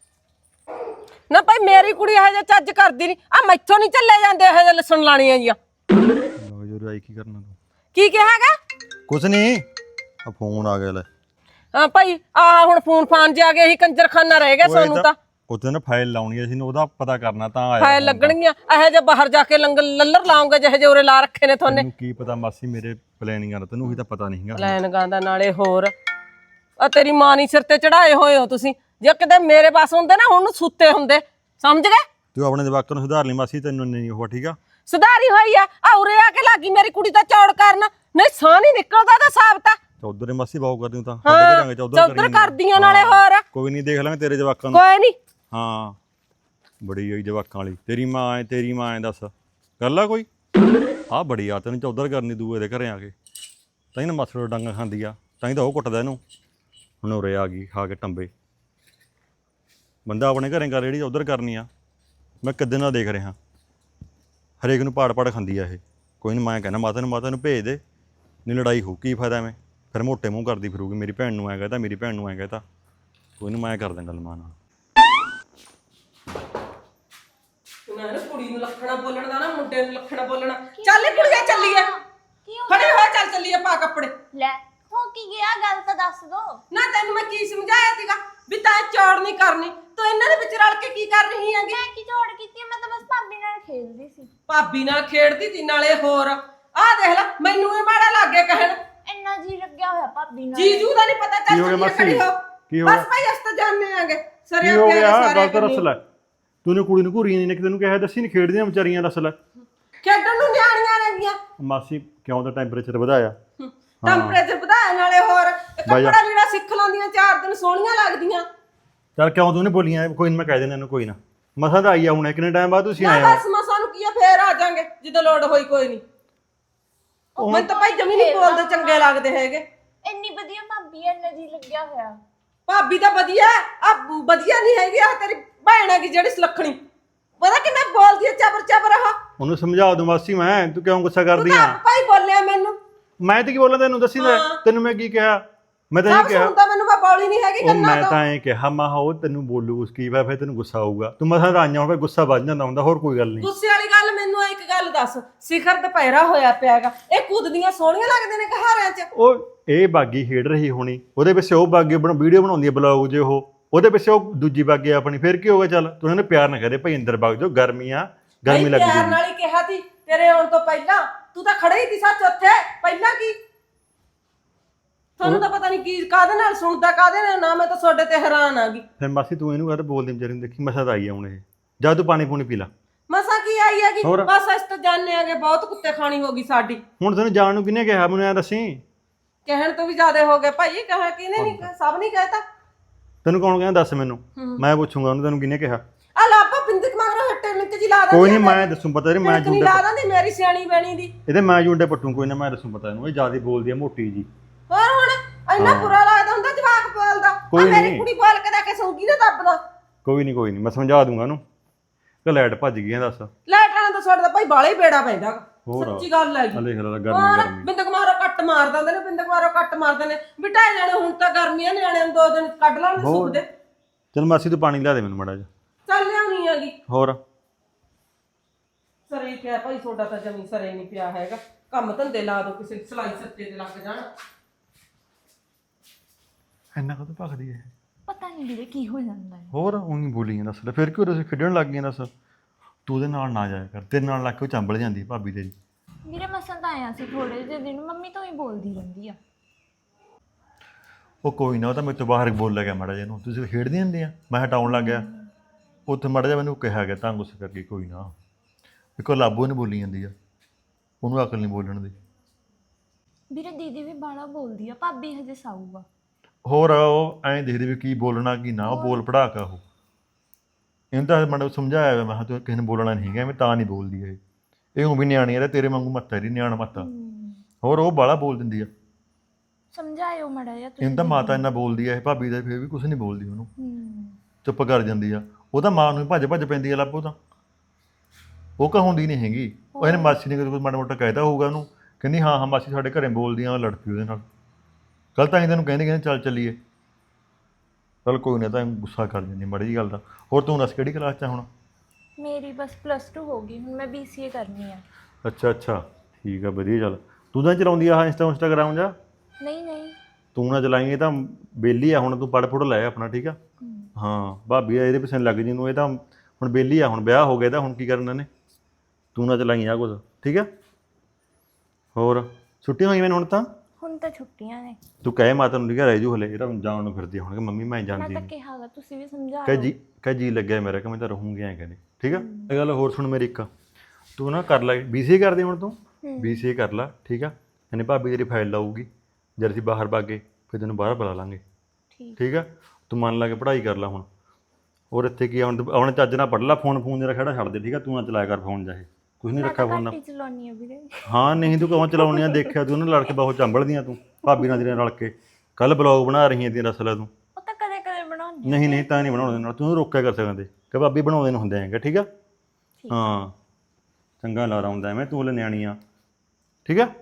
D: ਨਾ ਭਾਈ ਮੇਰੀ ਕੁੜੀ ਇਹ ਜਿਹਾ ਚੱਜ ਕਰਦੀ ਨਹੀਂ ਆ, ਮੈਥੋਂ ਨਹੀਂ ਚੱਲੇ ਜਾਂਦੇ ਇਹ ਜਿਹੇ ਲਸਣ ਲਾਣੀਆਂ ਜੀਆਂ।
A: ਯਾਰ ਆਈ ਕੀ ਕਰਨਾ ਤੂੰ?
D: ਕੀ ਕਿਹਾਗਾ?
A: ਕੁਛ ਨਹੀਂ, ਆ ਫੋਨ ਆ ਗਿਆ ਲੈ।
D: ਹਾਂ ਭਾਈ ਆ ਹੁਣ ਫੋਨ ਫਾਨ ਜੇ ਆ ਗਏ, ਇਹੀ ਕੰਜਰਖਾਨਾ ਰਹਿ ਗਿਆ ਸਾਨੂੰ ਤਾਂ।
A: ਉਹਦੇ ਨਾਲ ਫਾਈਲ ਲਾਉਣੀ ਸੀ, ਉਹਦਾ ਪਤਾ ਕਰਨਾ ਤਾਂ ਆਇਆ।
D: ਫਾਈਲ ਲੱਗਣਗੀਆਂ ਇਹੋ ਜਿਹੇ, ਬਾਹਰ ਜਾ ਕੇ ਲੱਲਰ ਲਾਉਂਗੇ ਜਿਹੇ ਜਿਹੇ ਉਰੇ ਲਾ ਰੱਖੇ ਨੇ ਤੁਹਾਨੇ।
A: ਤੈਨੂੰ ਕੀ ਪਤਾ ਮਾਸੀ ਮੇਰੇ ਪਲੈਨਿੰਗਾਂ ਦਾ, ਤੈਨੂੰ ਹੀ ਤਾਂ ਪਤਾ ਨਹੀਂਗਾ।
D: ਲੈਣ ਗਾਂਦਾ ਨਾਲੇ ਹੋਰ ਆ ਤੇਰੀ ਮਾਂ ਨਹੀਂ ਸਿਰ ਤੇ ਚੜਾਏ ਹੋਏ ਹੋ ਤੁਸੀਂ, ਜੇ ਕਿਤੇ ਮੇਰੇ ਪਾਸ ਹੁੰਦੇ ਨਾ ਹੁਣ ਸੁੱਤੇ ਹੁੰਦੇ, ਸਮਝ ਗਏ?
A: ਤੂੰ ਆਪਣੇ ਜਵਾਕਾਂ ਨੂੰ ਸੁਧਾਰ ਲਈ ਮਾਸੀ, ਤੈਨੂੰ ਨਹੀਂ ਉਹ ਠੀਕ ਆ।
D: ਸੁਧਾਰੀ ਹੋਈ ਆ ਉਰੇ ਆ ਕੇ ਲੱਗੀ ਮੇਰੀ ਕੁੜੀ ਦਾ ਚੌੜ ਕਰਨ, ਨਹੀਂ ਸਾਹ ਨਹੀਂ ਨਿਕਲਦਾ ਤਾਂ ਸਾਬਤ ਆ।
A: ਚੌਧਰ ਮਾਸੀ ਬਾਹੂ ਕਰਦੀ ਹੂੰ ਤਾਂ
D: ਹਾਂ
A: ਕਰਾਂਗੇ
D: ਚੌਧਰ ਕਰਦੀਆਂ ਨਾਲੇ ਹੋਰ।
A: ਕੋਈ ਨਹੀਂ, ਦੇਖ ਲਾਂਗੇ ਤੇਰੇ ਜਵਾਕਾਂ ਨੂੰ।
D: ਕੋਈ ਨਹੀਂ
A: ਹਾਂ ਬੜੀ ਹੋਈ ਜਵਾਕਾਂ ਵਾਲੀ, ਤੇਰੀ ਮਾਂ ਐ ਤੇਰੀ ਮਾਂ ਐ, ਦੱਸ ਕਰ ਲਾ ਕੋਈ। ਆਹ ਬੜੀ ਆ ਤੈਨੂੰ ਚੌਧਰ ਕਰਨੀ ਦੂਏ ਦੇ ਘਰੇ ਆ ਕੇ, ਤਾਂ ਹੀ ਨਾ ਮੱਥੜੋਂ ਡੰਗ ਖਾਂਦੀ ਆ, ਤਾਂ ਹੀ ਤਾਂ ਉਹ ਕੁੱਟਦਾ ਇਹਨੂੰ। ਹੁਣ ਉਰੇ ਆ ਗਈ ਖਾ ਕੇ ਟੰਬੇ, ਬੰਦਾ ਆਪਣੇ ਘਰੇ ਕਰ ਜਿਹੜੀ ਚੌਧਰ ਕਰਨੀ ਆ। ਮੈਂ ਕਿੱਦਾਂ ਦਾ ਦੇਖ ਰਿਹਾ, ਹਰੇਕ ਨੂੰ ਪਾੜ ਖਾਂਦੀ ਆ ਇਹ। ਕੋਈ ਨਹੀਂ, ਮੈਂ ਕਹਿੰਦਾ ਮਾਤਾ ਨੂੰ ਭੇਜ ਦੇ, ਨਹੀਂ ਲੜਾਈ ਹੋ, ਕੀ ਫਾਇਦਾ ਐਵੇਂ, ਫਿਰ ਮੋਟੇ ਮੂੰਹ ਕਰਦੀ ਫਿਰੂਗੀ, ਮੇਰੀ ਭੈਣ ਨੂੰ ਐਂ ਕਹਤਾ, ਮੇਰੀ ਭੈਣ ਨੂੰ ਐਂ ਕਹਤਾ। ਕੋਈ ਨਹੀਂ, ਮੈਂ ਕਰ ਦਾਂ ਗੱਲ ਮਾਂ ਨਾਲ।
D: ਨਾ ਕੁੜੀ ਨੂੰ ਲੱਖਣਾ ਬੋਲਣ ਦਾ, ਨਾ ਮੁੰਡੇ ਨੂੰ ਲੱਖਣਾ ਬੋਲਣਾ। ਚੱਲ ਕੁੜੀਆਂ ਚੱਲੀਏ, ਖੜੇ ਹੋਇਆ ਚੱਲ ਚੱਲੀਏ, ਪਾ ਕੱਪੜੇ।
C: ਲੈ ਹੋ ਕੀ ਗਿਆ, ਗੱਲ ਤਾਂ ਦੱਸ ਦੋ
D: ਨਾ ਤੈਨੂੰ ਮੈਂ ਕੀ ਸਮਝਾਇਆ ਸੀਗਾ ਵੀ ਤਾਂ ਚੌੜ ਨਹੀਂ ਕਰਨੀ, ਤੂੰ ਇਹਨਾਂ ਦੇ ਵਿੱਚ ਰਲ ਕੇ ਕੀ ਕਰ ਰਹੀ ਹੈਗੀ?
C: ਮੈਂ ਕੀ ਝੋੜ ਕੀਤੀ, ਮੈਂ ਤਾਂ ਬਸ ਭਾਬੀ ਨਾਲ ਖੇਡਦੀ ਸੀ।
D: ਭਾਬੀ ਨਾਲ ਖੇਡਦੀ ਸੀ, ਨਾਲੇ ਹੋਰ ਆਹ ਦੇਖ ਲੈ ਮੈਨੂੰ ਇਹ ਮਾੜਾ ਲੱਗ ਗਿਆ ਕਹਿਣ।
C: ਇੰਨਾ ਜੀ ਲੱਗਿਆ ਹੋਇਆ ਭਾਬੀ ਨਾਲ।
D: ਜੀਜੂ ਦਾ ਨਹੀਂ ਪਤਾ,
A: ਕੀ ਹੋ
D: ਚੱਲ
A: ਗਿਆ
D: ਚੱਲੀਏ, ਖੜੀ ਹੋ।
A: ਕੀ ਹੋ
D: ਬਸ
A: ਗਿਆ?
D: ਭਾਈ ਅਸੀਂ ਤਾਂ ਜਾਣਦੇ ਆਂਗੇ
A: ਕੀ
D: ਸਰੇ
A: ਹੋ
D: ਪਿਆਰੇ
A: ਗਿਆ?
D: ਸਾਰੇ
A: ਗੱਲ ਤਾਂ ਦੱਸ ਲੈ, ਤੂੰ ਕੁੜੀ ਨੂੰ ਘੂਰੀ ਨਹੀਂ, ਤੈਨੂੰ ਕਿਹਾ ਦੱਸੀ ਨਹੀਂ, ਖੇਡਦੀਆਂ ਵਿਚਾਰੀਆਂ, ਦੱਸ ਲੈ।
D: ਖੇਡਣ ਨੂੰ ਨਿਆਣੀਆਂ ਰਹਿੰਦੀਆਂ,
A: ਮਾਸੀ ਕਿਉਂ ਤਾਂ ਟੈਂਪਰੇਚਰ ਵਧਾਇਆ?
D: ਟੈਂਪਰੇਚਰ ਵਧਾਇਆ, ਨਾਲੇ ਹੋਰ ਕੱਪੜਾ ਜਿਹੜਾ ਸਿੱਖ ਲਾਂਦੀਆਂ 4 ਦਿਨ ਸੋਹਣੀਆਂ ਲੱਗਦੀਆਂ।
A: ਚੱਲ ਕਿਉਂ ਤੂੰ ਨੇ ਬੋਲੀਆਂ? ਕੋਈ ਨਾ, ਮੈਂ ਕਹਿ ਦੇਣਾ ਇਹਨੂੰ, ਕੋਈ ਨਾ। ਮਸਾ ਤਾਂ ਆਈ ਆ ਹੁਣ, ਕਿੰਨੇ ਟਾਈਮ ਬਾਅਦ ਤੁਸੀਂ ਆਏ ਹੋ?
D: ਬਸ ਮਸਾਂ ਨੂੰ ਕੀ ਆ, ਫੇਰ ਆ ਜਾਾਂਗੇ ਜਦੋਂ ਲੋੜ ਹੋਈ। ਕੋਈ ਨਹੀਂ, ਮੈਨੂੰ ਤਾਂ ਭਾਈ ਜਮੀ ਨਹੀਂ ਬੋਲਦੇ ਚੰਗੇ ਲੱਗਦੇ ਹੈਗੇ।
C: ਇੰਨੀ ਵਧੀਆ ਭਾਬੀ ਐ, ਇੰਨਾ ਜੀ ਲੱਗਿਆ ਹੋਇਆ।
D: ਭਾਬੀ ਤਾਂ ਵਧੀਆ ਆ, ਵਧੀਆ ਨਹੀਂ ਹੈਗੀ ਆ ਤੇਰੀ ਭੈਣ ਹੈਗੀ ਜਿਹੜੀ ਸੁਲੱਖਣੀ, ਪਤਾ ਕਿੰਨਾ ਬੋਲਦੀ ਆ, ਚਬਰ ਚਬਰ ਆ।
A: ਉਹਨੂੰ ਸਮਝਾ ਦੂੰ ਮਾਸੀ ਮੈਂ, ਤੂੰ ਕਿਉਂ ਗੁੱਸਾ ਕਰਦੀ ਆ?
D: ਭਾਈ ਬੋਲਿਆ ਮੈਨੂੰ,
A: ਮੈਂ ਤੇ ਕੀ ਬੋਲਾਂ ਤੈਨੂੰ, ਦੱਸੀ ਲੈ ਤੈਨੂੰ ਮੈਂ ਕੀ ਕਿਹਾ? ਮੈਂ ਤਾਂ ਇਹ
D: ਸਭ
A: ਕਿਹਾ,
D: ਸੁਣਦਾ ਮੈਨੂੰ, ਮੈਂ ਬੋਲੀ ਨਹੀਂ ਹੈਗੀ
A: ਉਹ
D: ਕੰਨਾਂ
A: ਮੈਂ
D: ਤੋਂ।
A: ਤਾਂ ਇਹ ਕਿਹਾ ਮਾ ਉਹ ਤੈਨੂੰ ਬੋਲੂ ਉਸ ਕੀ ਵਾ, ਫਿਰ ਤੈਨੂੰ ਗੁੱਸਾ ਆਊਗਾ। ਤੂੰ ਮਸਾਂ ਤਾਂ ਆਈਆਂ ਹੋਵੇ, ਗੁੱਸਾ ਵੱਜ ਜਾਂਦਾ ਹੁੰਦਾ, ਹੋਰ ਕੋਈ ਗੱਲ ਨਹੀਂ।
D: ਗੁੱਸੇ ਵਾਲੀ ਗੱਲ ਮੈਨੂੰ ਇੱਕ ਗੱਲ ਦੱਸ, ਸਿਖਰ ਦੁਪਹਿਰਾ ਹੋਇਆ ਪਿਆਗਾ, ਇਹ ਕੁੱਦਦੀਆਂ ਸੋਹਣੀਆਂ ਲੱਗਦੇ ਨੇ ਘਹਾਰਿਆਂ 'ਚ।
A: ਉਹ ਇਹ ਬਾਗੀ ਖੇਡ ਰਹੀ ਹੋਣੀ, ਉਹਦੇ ਪਿੱਛੇ ਉਹ ਬਾਗੀ ਵੀਡੀਓ ਬਣਾਉਂਦੀ ਹੈ ਬਲੌਗ ਜੇ, ਉਹਦੇ ਪਿੱਛੇ ਉਹ ਦੂਜੀ ਬਾਗੀ ਆਪਣੀ, ਫਿਰ ਕੀ ਹੋਗਾ? ਚੱਲ ਤੂੰ ਉਹਨੂੰ ਪਿਆਰ ਨਾ ਕਰੇ ਭਾਈ, ਅੰਦਰ ਵਗ ਜਾਓ, ਗਰਮੀ ਆ, ਗਰਮੀ ਲੱਗ
D: ਪਿਆਰ
A: ਜੂਗੀ।
D: ਨਾਲ ਹੀ ਕਿਹਾ ਸੀ ਤੇਰੇ ਆਉਣ ਤੋਂ ਪਹਿਲਾਂ, ਤੂੰ ਤਾਂ ਖੜੇ ਹੀ ਸੀ ਸੱਚ ਉੱਥੇ ਪਹਿਲਾਂ। ਕੀ ਤੁਹਾਨੂੰ ਤਾਂ ਪਤਾ ਨਹੀਂ ਕੀ ਕਾਹਦੇ ਨਾਲ ਸੁਣਦਾ, ਕਾਹਦੇ ਨਾਲ ਨਾ, ਮੈਂ ਤਾਂ ਤੁਹਾਡੇ ਤੇ ਹੈਰਾਨ ਆ ਗਈ।
A: ਫਿਰ ਮਾਸੀ ਤੂੰ ਇਹਨੂੰ ਕਹਦੇ ਬੋਲਦੀ ਵਿਚਾਰੀ ਨੂੰ, ਦੇਖੀ ਮਸਾ ਤਾਂ ਆਈ ਆ ਹੁਣ ਇਹ, ਜਾ ਤੂੰ ਪਾਣੀ ਪੂਣੀ ਪੀ ਲਾ।
D: ਮਸਾ ਕੀ ਆਈ ਹੈਗੀ,
A: ਹੋਰ?
D: ਬਸ ਅਸੀਂ ਤਾਂ ਜਾਣਦੇ ਆਗੇ ਬਹੁਤ ਕੁੱਤੇ ਖਾਣੀ ਹੋ ਗਈ ਸਾਡੀ।
A: ਹੁਣ ਤੈਨੂੰ ਜਾਣ ਨੂੰ ਕਿਹਨੇ ਕਿਹਾ, ਮੈਨੂੰ ਐ ਦੱਸੀ।
D: ਕਹਿਣ ਤੋਂ ਵੀ ਜ਼ਿਆਦਾ ਹੋ ਗਏ ਭਾਈ, ਕਹਾ ਕਿਹਨੇ ਨਹੀਂ, ਸਭ ਨਹੀਂ ਕਹਿਤਾ।
A: ਤੈਨੂੰ ਕੌਣ ਕਹਿੰਦਾ, ਦੱਸ ਮੈਨੂੰ, ਮੈਂ ਪੁੱਛੂੰਗਾ ਉਹਨੂੰ, ਤੈਨੂੰ ਕਿਹਨੇ ਕਿਹਾ?
D: ਆ ਲਾਪਾ ਬਿੰਦਕ ਮਗਰੋਂ ਹੱਟੇ ਲਿੰਕ ਜੀ ਲਾ ਦਿੰਦੀ।
A: ਕੋਈ ਨਹੀਂ, ਮੈਂ ਦੱਸੂ, ਪਤਾ ਨਹੀਂ, ਮੈਂ
D: ਨਹੀਂ
A: ਜੁੰਡੇ
D: ਲਾ ਦਿੰਦੀ ਮੇਰੀ ਸਿਆਣੀ ਬਣੀ ਦੀ।
A: ਇਹਦੇ ਮੈਂ ਜੁੰਡੇ ਪੱਟੂ, ਕੋਈ ਨਾ, ਮੈਂ ਦੱਸੂ, ਪਤਾ ਇਹਨੂੰ, ਇਹ ਜ਼ਿਆਦਾ ਬੋਲਦੀ ਆ, ਮੋਟੀ ਜੀ।
D: ਹੋਰ ਹੁਣ ਇੰਨਾ ਬੁਰਾ ਲੱਗਦਾ ਹੁੰਦਾ ਜਵਾਕ ਬੋਲਦਾ, ਆ ਮੇਰੀ ਕੁੜੀ ਬੋਲ ਕੇ ਦੇਖੇ ਸੌਂਗੀ ਨਾ ਦੱਬਦਾ।
A: ਕੋਈ ਨਹੀਂ, ਮੈਂ ਸਮਝਾ ਦੂੰਗਾ ਉਹਨੂੰ। ਕਿ ਲਾਈਟ ਭੱਜ ਗਈ ਆ, ਦੱਸ।
D: ਲਾਈਟ ਵਾਲਾ ਤਾਂ ਤੁਹਾਡਾ ਭਾਈ ਬਾਲਾ ਹੀ ਬੇੜਾ ਪੈਂਦਾ,
A: ਹੋਰ
D: ਸੱਚੀ ਗੱਲ ਹੈਗੀ।
A: ਦੇਖ ਲੈ ਗਰਮੀ
D: ਬਿੰਦਕ ਮਾਰੋ ਕੱਟ ਮਾਰ ਦਿੰਦੇ ਨੇ, ਬਿੰਦਕ ਮਾਰੋ ਕੱਟ ਮਾਰ ਦਿੰਦੇ ਨੇ, ਬਿਟਾਏ ਜਾਣੇ। ਹੁਣ ਤਾਂ ਗਰਮੀਆਂ ਨਿਆਣੇ ਨੂੰ 2 ਦਿਨ ਕੱਢ ਲਾਉਣ ਸੁੱਕ ਦੇ।
A: ਚਲ ਮਾਸੀ ਤੂੰ ਪਾਣੀ ਲਿਆ ਦੇ ਮੈਨੂੰ ਮਾੜਾ ਜਿਹਾ।
D: ਚੱਲ ਲਿਆਉਣੀ ਹੈਗੀ।
A: ਹੋਰ
D: ਸਰੇ ਪਿਆ ਭਾਈ, ਤੁਹਾਡਾ ਤਾਂ ਜਮੀ ਸਰੇ ਨਹੀਂ ਪਿਆ ਹੈਗਾ। ਕੰਮ ਧੰਦੇ ਲਾ ਦੋ, ਕਿਸੇ ਸਲਾਈ ਸੱਤੇ ਤੇ ਲੱਗ ਜਾਣ।
A: ਇੰਨਾ ਕਦੋਂ ਭਖਦੀ ਹੈ?
C: ਪਤਾ ਨਹੀਂ ਵੀਰੇ ਕੀ ਹੋ ਜਾਂਦਾ ਹੈ।
A: ਹੋਰ ਉਹੀ ਬੋਲੀ ਦੱਸ ਲੈ, ਫਿਰ ਕਿਉਂ ਤੁਸੀਂ ਖੇਡਣ ਲੱਗ ਗਏ? ਦੱਸ ਤੂੰ ਉਹਦੇ ਨਾਲ ਨਾ ਜਾਇਆ ਕਰ, ਤੇਰੇ ਨਾਲ ਲੱਗ ਕੇ ਉਹ ਚੰਬਲ ਜਾਂਦੀ ਭਾਬੀ ਤੇਰੀ।
C: ਵੀਰੇ ਮਸਾਂ ਤਾਂ ਆਇਆ ਸੀ ਥੋੜੇ ਜਿਹੇ ਦਿਨ, ਮੰਮੀ ਤੋਂ ਹੀ ਬੋਲਦੀ ਰਹਿੰਦੀ ਆ।
A: ਉਹ ਕੋਈ ਨਾ, ਉਹ ਤਾਂ ਮੇਰੇ ਤੋਂ ਬਾਹਰ ਬੋਲ ਲੱਗਿਆ ਮਾੜਾ ਜਿਹਾ ਨੂੰ, ਤੁਸੀਂ ਖੇਡਦੇ ਹੁੰਦੇ ਆ, ਮੈਂ ਹਟਾਉਣ ਲੱਗ ਗਿਆ, ਉੱਥੇ ਮਾੜਾ ਜਿਹਾ ਮੈਨੂੰ ਕਿਹਾ ਗਿਆ ਤਾਂ ਗੁੱਸੇ ਕਰਕੇ। ਕੋਈ ਨਾ, ਇੱਕੋ ਲਾਬੋ ਨੇ ਬੋਲੀ ਜਾਂਦੀ ਆ, ਉਹਨੂੰ ਅਕਲ ਨਹੀਂ ਬੋਲਣ ਦੀ।
C: ਵੀਰੇ ਦੀਦੀ ਵੀ ਬਾਹਲਾ ਬੋਲਦੀ ਆ, ਭਾਬੀ ਹਜੇ ਸਾਊ ਆ।
A: ਹੋਰ ਉਹ ਐਂ ਦੇਖਦੇ ਵੀ ਕੀ ਬੋਲਣਾ ਕੀ ਨਾ, ਉਹ ਬੋਲ ਪੜਾ ਕੇ ਉਹ ਇਹਨੂੰ ਤਾਂ ਮੈਨੂੰ ਸਮਝਾਇਆ ਵਾ, ਮੈਂ ਕਿਹਾ ਤੂੰ ਕਿਸੇ ਨੇ ਬੋਲਣਾ ਨਹੀਂ ਹੈਗਾ, ਮੈਂ ਤਾਂ ਨਹੀਂ ਬੋਲਦੀ ਇਹ ਉਹ ਵੀ ਨਿਆਣੀ ਆ, ਤੇਰੇ ਵਾਂਗੂ ਮੱਤਾ ਇਹਦੀ ਨਿਆਣਾ ਮੱਤਾ। ਹੋਰ ਉਹ ਬਾਹਲਾ ਬੋਲ ਦਿੰਦੀ ਆ,
C: ਸਮਝਾਇਓ ਮੜਾ ਜਿਹਾ ਤੁਸੀਂ।
A: ਇਹਨੂੰ ਤਾਂ ਮਾਤਾ ਇੰਨਾ ਬੋਲਦੀ ਆ ਇਹ ਭਾਬੀ ਦਾ, ਫਿਰ ਵੀ ਕੁਝ ਨਹੀਂ ਬੋਲਦੀ ਉਹਨੂੰ, ਚੁੱਪ ਕਰ ਜਾਂਦੀ ਆ। ਉਹ ਤਾਂ ਮਾਂ ਨੂੰ ਭੱਜ ਭੱਜ ਪੈਂਦੀ ਆ ਲੱਭੋ ਤਾਂ, ਉਹ ਕਹਾਉਂਦੀ ਨਹੀਂ ਹੈਗੀ। ਉਹ ਇਹਨੇ ਮਾਸੀ ਨੇ ਕੁਝ ਮਾੜਾ ਮੋਟਾ ਕਹਿਤਾ ਹੋਊਗਾ ਉਹਨੂੰ, ਕਹਿੰਦੀ ਹਾਂ ਹਾਂ ਮਾਸੀ ਸਾਡੇ ਘਰੇ ਬੋਲਦੀ ਆ, ਲੜ ਪਈ ਉਹਦੇ ਨਾਲ। ਕੱਲ ਤਾਂ ਅਸੀਂ ਤੈਨੂੰ ਕਹਿੰਦੇ ਚੱਲ ਚੱਲੀਏ, ਚੱਲ ਕੋਈ ਨਾ, ਤਾਂ ਗੁੱਸਾ ਕਰ ਜਾਂਦੀ ਮਾੜੀ ਜਿਹੀ ਗੱਲ ਦਾ। ਹੋਰ ਤੂੰ ਦੱਸ ਕਿਹੜੀ ਕਲਾਸ 'ਚ ਆ ਹੁਣ?
C: ਮੇਰੀ ਬਸ +2 ਹੋ ਗਈ, ਹੁਣ ਮੈਂ BCA ਕਰਨੀ ਆ।
A: ਅੱਛਾ ਠੀਕ ਆ, ਵਧੀਆ। ਚੱਲ ਤੂੰ ਤਾਂ ਚਲਾਉਂਦੀ ਆ ਇੰਸਟਾਗ੍ਰਾਮ ਜਾਂ?
C: ਨਹੀਂ
A: ਤੂੰ ਨਾ ਚਲਾਈਏ ਤਾਂ ਬੇਲੀ ਆ ਹੁਣ, ਤੂੰ ਪੜ੍ਹ ਪੁੜ ਲੈ ਆਪਣਾ, ਠੀਕ ਆ? ਹਾਂ ਭਾਬੀ ਆ ਇਹਦੇ ਪਿੱਛੇ ਲੱਗ ਜੀ ਨੂੰ, ਇਹ ਤਾਂ ਹੁਣ ਬੇਲੀ ਆ, ਹੁਣ ਵਿਆਹ ਹੋ ਗਿਆ ਤਾਂ ਹੁਣ ਕੀ ਕਰਨਾ ਨੇ। ਤੂੰ ਨਾ ਚਲਾਈ ਆ ਕੁਝ, ਠੀਕ ਆ? ਹੋਰ ਛੁੱਟੀਆਂ ਹੋਈਆਂ ਮੈਨੂੰ
C: ਹੁਣ ਤਾਂ ਛੁੱਟੀਆਂ ਨੇ।
A: ਤੂੰ ਕਹੇ ਮਾਤਾ ਨੂੰ, ਠੀਕ ਆ? ਰਹਿ ਜੂ ਹਲੇ, ਇਹ ਤਾਂ ਜਾਣ ਨੂੰ ਫਿਰਦੀ ਹੁਣ ਕਿ ਮੰਮੀ ਮੈਂ ਜਾਂਦੀ
C: ਮੈਂ ਤਾਂ
A: ਨਹੀਂ।
C: ਕਿਹਾਗਾ, ਤੁਸੀਂ ਵੀ ਸਮਝਾ
A: ਕਹਿ ਜੀ ਲੱਗਿਆ ਮੇਰਾ ਕਿ ਮੈਂ ਤਾਂ ਰਹੂੰਗੀ ਐਂ ਕਹਿੰਦੇ, ਠੀਕ ਆ? ਇਹ ਗੱਲ ਹੋਰ ਸੁਣ ਮੇਰੀ ਇੱਕ, ਤੂੰ ਨਾ ਕਰ ਲੈ BCA ਕਰਦੀ ਹੁਣ ਤੂੰ, BCA ਕਰ ਲੈ, ਠੀਕ ਆ? ਇਹਨੇ ਭਾਬੀ ਤੇਰੀ ਫਾਈਲ ਲਾਊਗੀ, ਜਦ ਅਸੀਂ ਬਾਹਰ ਭਾਗੇ ਫਿਰ ਤੈਨੂੰ ਬਾਹਰ ਬੁਲਾ ਲਾਂਗੇ, ਠੀਕ ਆ? ਤੂੰ ਮਨ ਲਾ ਕੇ ਪੜ੍ਹਾਈ ਕਰ ਲੈ ਹੁਣ। ਔਰ ਇੱਥੇ ਕੀ ਹੁਣ ਚੱਜ ਨਾਲ ਪੜ੍ਹ ਲੈ, ਫੋਨ ਜਿਹੜਾ ਖੜਾ ਛੱਡ ਦੇ, ਠੀਕ ਆ? ਤੂੰ ਨਾ ਚਲਾਇਆ ਕਰ ਫੋਨ ਜਾਏ, ਕੁਝ ਨਹੀਂ ਰੱਖਿਆ ਫੋਨ ਨਾਲ।
C: ਚਲਾਉਣੀ ਆ ਵੀਰੇ।
A: ਹਾਂ ਨਹੀਂ ਤੂੰ ਕਹਾਂ ਚਲਾਉਣੀ ਆ, ਦੇਖਿਆ ਤੂੰ ਉਹਨਾਂ ਲੜ ਕੇ ਬਹੁਤ ਚੰਬਲਦੀਆਂ ਤੂੰ ਭਾਬੀ ਨਾਲ ਤੇਰੇ ਰਲ ਕੇ। ਕੱਲ ਬਲੌਗ ਬਣਾ ਰਹੀ ਹੈ ਤੇਰਾ ਅਸਲ ਤੂੰ।
C: ਉਹ ਤਾਂ ਕਦੇ ਬਣਾਉਣੀ।
A: ਨਹੀਂ ਤਾਂ ਨਹੀਂ ਬਣਾਉਣ ਨਾਲ, ਤੂੰ ਰੋਕਿਆ ਕਰ ਸਕਦੇ ਕਿ ਭਾਬੀ ਬਣਾਉਂਦੇ ਨੂੰ ਹੁੰਦੇ ਹੈਗੇ, ਠੀਕ ਆ? ਹਾਂ ਚੰਗਾ ਲਾ ਆਉਂਦਾ ਐਵੇਂ, ਤੂੰ ਹਲੇ ਨਿਆਣੀ ਆ, ਠੀਕ ਆ?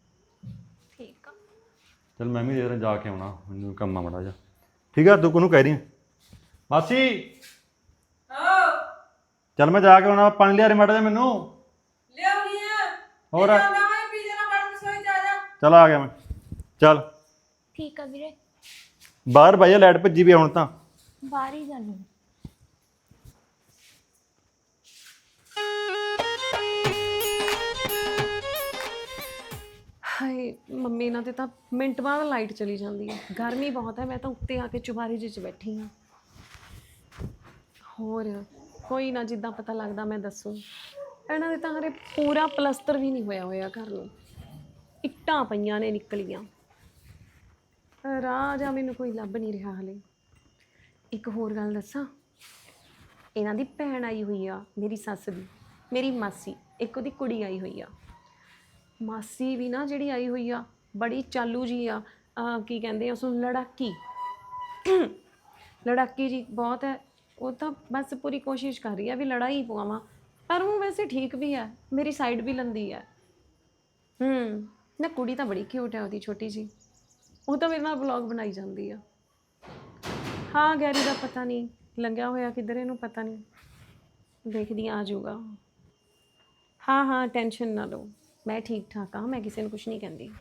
C: ਠੀਕ ਆ।
A: ਚਲ ਮੈਂ ਵੀ ਜਰਾ ਜਾ ਕੇ ਆਉਣਾ, ਮੈਨੂੰ ਕੰਮ ਆ ਮਾੜਾ ਜਿਹਾ, ਠੀਕ ਆ? ਤੂੰ ਕੋਨੂੰ ਕਹਿ ਰਹੀ ਮਾਸੀ? ਚੱਲ ਮੈਂ ਜਾ ਕੇ ਆਉਣਾ, ਪਾਣੀ ਲਿਆ ਰੇ ਮਾੜਾ ਜਿਹਾ ਮੈਨੂੰ।
D: ਲਿਆਉਣੀ ਆ
A: ਹੋਰ
D: ਪੀਜ਼ਾ ਨਾ ਫੜਨ ਸੋਈ ਜਾ ਜਾ।
A: ਚੱਲ ਆ ਗਿਆ ਮੈਂ, ਚੱਲ
C: ਠੀਕ ਆ ਵੀਰੇ,
A: ਬਾਹਰ ਬਾਈ ਲਾਈਟ ਭੱਜੀ ਵੀ ਹੁਣ ਤਾਂ।
C: ਬਾਹਰ ਹੀ ਜਾਣੀ।
B: ਹਾਏ ਮੰਮੀ, ਇਹਨਾਂ ਤੇ ਤਾਂ ਮਿੰਟ ਬਾਅਦ ਲਾਈਟ ਚਲੀ ਜਾਂਦੀ ਹੈ। ਗਰਮੀ ਬਹੁਤ ਹੈ, ਮੈਂ ਤਾਂ ਉੱਤੇ ਆ ਕੇ ਚੁਬਾਰੇ ਜਿਹੇ 'ਚ ਬੈਠੀ ਹਾਂ। ਹੋਰ ਕੋਈ ਨਾ, ਜਿੱਦਾਂ ਪਤਾ ਲੱਗਦਾ ਮੈਂ ਦੱਸੂ। ਇਹਨਾਂ ਦੇ ਤਾਂ ਹਰੇ ਪੂਰਾ ਪਲਸਤਰ ਵੀ ਨਹੀਂ ਹੋਇਆ ਘਰ ਨੂੰ, ਇੱਟਾਂ ਪਈਆਂ ਨੇ ਨਿਕਲੀਆਂ। ਰਾਹ ਜਾਂ ਮੈਨੂੰ ਕੋਈ ਲੱਭ ਨਹੀਂ ਰਿਹਾ ਹਲੇ। ਇੱਕ ਹੋਰ ਗੱਲ ਦੱਸਾਂ, ਇਹਨਾਂ ਦੀ ਭੈਣ ਆਈ ਹੋਈ ਆ, ਮੇਰੀ ਸੱਸ ਦੀ, ਮੇਰੀ ਮਾਸੀ, ਇੱਕ ਉਹਦੀ ਕੁੜੀ ਆਈ ਹੋਈ ਆ। ਮਾਸੀ ਵੀ ਨਾ ਜਿਹੜੀ ਆਈ ਹੋਈ ਆ, ਬੜੀ ਚਾਲੂ ਜੀ ਆ, ਕੀ ਕਹਿੰਦੇ ਉਸ ਨੂੰ, ਲੜਾਕੀ ਜੀ ਬਹੁਤ ਹੈ। ਉਹ ਤਾਂ ਬਸ ਪੂਰੀ ਕੋਸ਼ਿਸ਼ ਕਰ ਰਹੀ ਆ ਵੀ ਲੜਾਈ ਪਵਾਵਾਂ, ਪਰ ਉਹ ਵੈਸੇ ਠੀਕ ਵੀ ਹੈ, ਮੇਰੀ ਸਾਈਡ ਵੀ ਲੈਂਦੀ ਹੈ। ਨਾ ਕੁੜੀ ਤਾਂ ਬੜੀ ਕਿਊਟ ਹੈ ਉਹਦੀ, ਛੋਟੀ ਜੀ, ਉਹ ਤਾਂ ਮੇਰੇ ਨਾਲ ਵਲੌਗ ਬਣਾਈ ਜਾਂਦੀ ਆ। ਹਾਂ ਗੈਰੀ ਦਾ ਪਤਾ ਨਹੀਂ ਲੰਘਿਆ ਹੋਇਆ ਕਿੱਧਰ, ਇਹਨੂੰ ਪਤਾ ਨਹੀਂ, ਦੇਖਦੀ ਆ ਜਾਊਗਾ। ਹਾਂ ਟੈਨਸ਼ਨ ਨਾ ਲਓ, ਮੈਂ ਠੀਕ ਠਾਕ ਹਾਂ, ਮੈਂ ਕਿਸੇ ਨੂੰ ਕੁਝ ਨਹੀਂ ਕਹਿੰਦੀ।